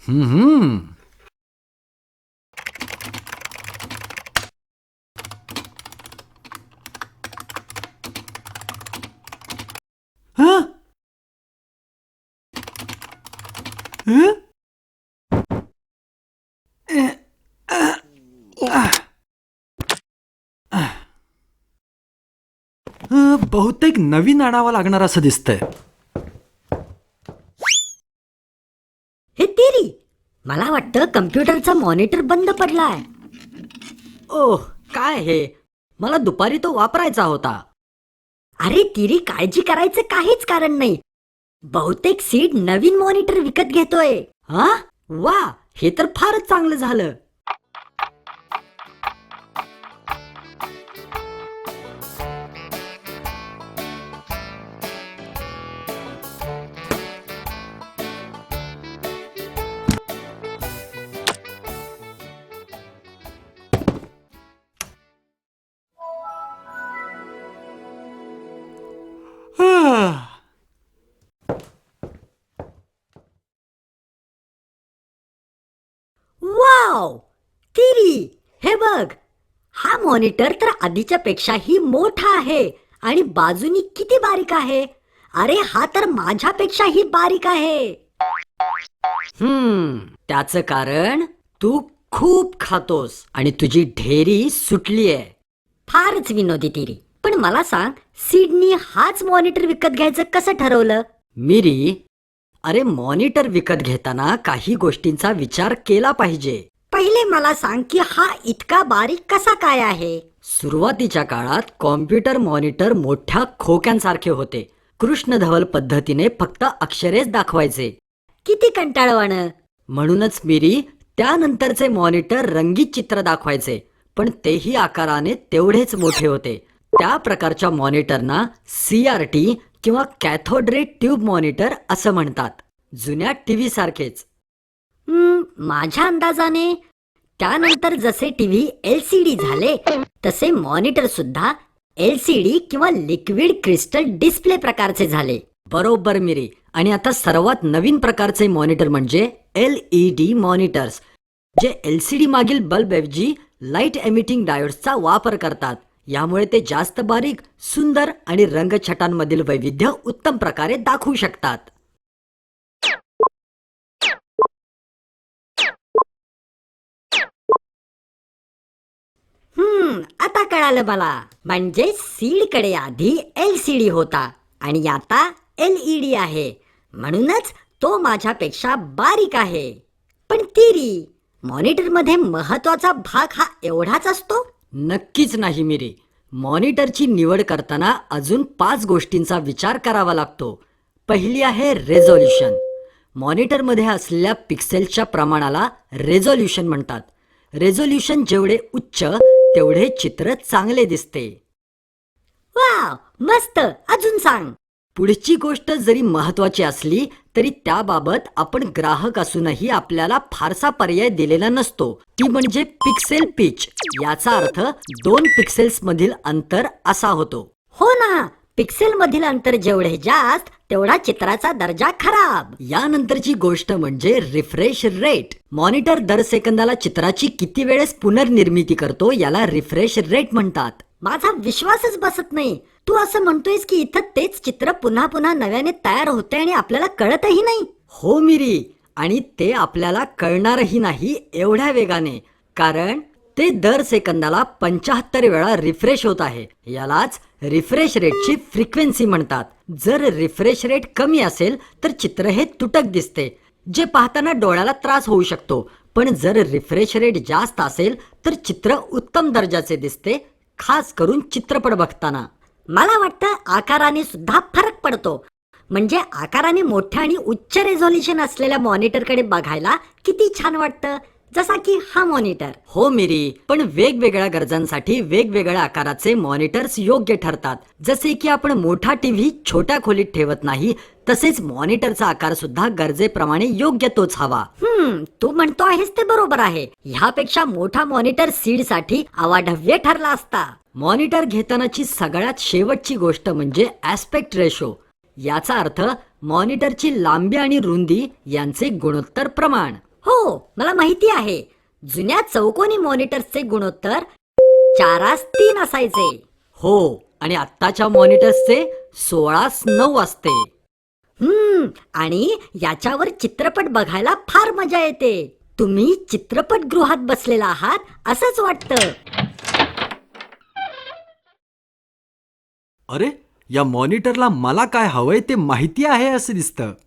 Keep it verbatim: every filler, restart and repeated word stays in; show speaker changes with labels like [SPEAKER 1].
[SPEAKER 1] हम्म. हं? हं? अं, बहुतेक नवीन आणावं लागणार असं दिसतंय.
[SPEAKER 2] हे तेरी, मला वाटतं कम्प्युटरचा मॉनिटर बंद पडलाय.
[SPEAKER 3] ओह, काय हे? मला दुपारी तो वापरायचा होता.
[SPEAKER 2] अरे तिरी, काळजी करायचं काहीच कारण नाही. बहुतेक सीड नवीन मॉनिटर विकत घेतोय.
[SPEAKER 3] हा? वा, हे तर फारच चांगलं झालं.
[SPEAKER 1] आह.
[SPEAKER 2] वाव, तिरी, हे बघ. हा मॉनिटर तर आधीच्या पेक्षाही मोठा आहे आणि बाजूनी किती बारीक आहे. अरे हा तर माझ्यापेक्षाही बारीक आहे.
[SPEAKER 3] हम्म, त्याचं कारण तू खूप खातोस आणि तुझी ढेरी सुटलीये.
[SPEAKER 2] फारच विनोदी तिरी. पण मला सांग, सीडनी हाच मॉनिटर विकत घ्यायचं कसं ठरवलं?
[SPEAKER 3] मिरी, अरे मॉनिटर विकत घेताना काही गोष्टींचा विचार केला पाहिजे.
[SPEAKER 2] पहिले मला सांग की हा इतका बारीक कसा काय आहे?
[SPEAKER 3] सुरुवातीच्या काळात कॉम्प्युटर मॉनिटर मोठ्या खोक्यांसारखे होते. कृष्णधवल पद्धतीने फक्त अक्षरेच दाखवायचे.
[SPEAKER 2] किती कंटाळवाणं.
[SPEAKER 3] म्हणूनच मिरी, त्यानंतरचे मॉनिटर रंगीत चित्र दाखवायचे, पण तेही आकाराने तेवढेच मोठे होते. त्या प्रकारच्या मॉनिटरना सी आर टी किंवा कॅथोड रे ट्यूब मॉनिटर असं म्हणतात. जुन्या टीव्ही सारखेच.
[SPEAKER 2] हम्म, माझ्या अंदाजाने त्यानंतर जसे टीव्ही एल सी डी झाले तसे मॉनिटर सुद्धा एल सी डी किंवा लिक्विड क्रिस्टल डिस्प्ले प्रकारचे झाले.
[SPEAKER 3] बरोबर मिरी. आणि आता सर्वात नवीन प्रकारचे मॉनिटर म्हणजे एल ई डी मॉनिटर्स, जे एल सी डी मागील बल्बऐवजी लाईट एमिटिंग डायोड्सचा वापर करतात. यामुळे ते जास्त बारीक, सुंदर आणि रंगछटांमधील वैविध्य उत्तम प्रकारे दाखवू शकतात.
[SPEAKER 2] हम्म, आता कळालं मला. म्हणजे सीड कडे आधी एल सी डी होता आणि आता एल ई डी आहे, म्हणूनच तो माझ्यापेक्षा बारीक आहे. पण तिरी, मॉनिटर मध्ये महत्वाचा भाग हा एवढाच असतो?
[SPEAKER 3] नक्कीच नाही मिरी. मॉनिटरची निवड करताना अजून पाच गोष्टींचा विचार करावा लागतो. पहिली आहे रेझोल्युशन. मॉनिटरमध्ये असलेल्या पिक्सेल्सच्या प्रमाणाला रेझोल्युशन म्हणतात. रेझोल्युशन जेवढे उच्च तेवढे चित्र चांगले दिसते.
[SPEAKER 2] वाव, मस्त. अजून सांग.
[SPEAKER 3] पुढची गोष्ट जरी महत्वाची असली तरी त्याबाबत आपण ग्राहक असूनही आपल्याला फारसा पर्याय दिलेला नसतो. ती म्हणजे पिक्सेल पिच. याचा अर्थ दोन पिक्सेल्स मधील अंतर असा होतो.
[SPEAKER 2] हो ना, पिक्सेल मधील अंतर जेवढे जास्त तेवढा चित्राचा दर्जा खराब.
[SPEAKER 3] यानंतरची गोष्ट म्हणजे रिफ्रेश रेट. मॉनिटर दर सेकंदाला चित्राची किती वेळेस पुनर्निर्मिती करतो याला रिफ्रेश रेट म्हणतात.
[SPEAKER 2] माझा विश्वासच बसत नाही. तू असं म्हणतोयस की इथं तेच चित्र पुन्हा पुन्हा नव्याने तयार होते आणि आपल्याला कळतही नाही.
[SPEAKER 3] हो मिरी, आणि ते आपल्याला कळणारही नाही एवढ्या वेगाने, कारण ते दर सेकंदाला पंच्याहत्तर वेळा रिफ्रेश होत आहे. यालाच रिफ्रेश रेटची फ्रिक्वेन्सी म्हणतात. जर रिफ्रेश रेट कमी असेल तर चित्र हे तुटक दिसते, जे पाहताना डोळ्याला त्रास होऊ शकतो. पण जर रिफ्रेश रेट जास्त असेल तर चित्र उत्तम दर्जाचे दिसते, खास करून चित्रपट बघताना.
[SPEAKER 2] मला वाटतं आकाराने सुद्धा फरक पडतो. म्हणजे आकाराने मोठ्या आणि उच्च रेझोल्युशन असलेल्या मॉनिटरकडे बघायला किती छान वाटतं, जसा की हा मॉनिटर.
[SPEAKER 3] हो मिरी, पण वेगवेगळ्या गरजांसाठी वेगवेगळ्या आकाराचे मॉनिटर्स योग्य ठरतात. जसे की आपण मोठा टीव्ही छोट्या खोलीत ठेवत नाही, तसेच मॉनिटरचा आकार सुद्धा गरजेप्रमाणे योग्य तोच हवा.
[SPEAKER 2] हम्म, तू म्हणतो आहेस ते बरोबर आहे. ह्यापेक्षा मोठा मॉनिटर सीड साठी अवाढव्य ठरला असता.
[SPEAKER 3] मॉनिटर घेतानाची सगळ्यात शेवटची गोष्ट म्हणजे ऍस्पेक्ट रेशो. याचा अर्थ मॉनिटरची लांबी आणि रुंदी यांचे गुणोत्तर प्रमाण.
[SPEAKER 2] हो मला माहिती आहे. जुन्या चौकोनी मॉनिटर्सचे गुणोत्तर चारास तीन असायचे.
[SPEAKER 3] हो, आणि आत्ताच्या मॉनिटर्सचे सोळास नऊ असते.
[SPEAKER 2] हम्म आणि याच्यावर चित्रपट बघायला फार मजा येते. तुम्ही चित्रपटगृहात बसलेला आहात असंच वाटतं.
[SPEAKER 1] अरे, या मॉनिटरला मला काय हवंय ते माहिती आहे असं दिसतं.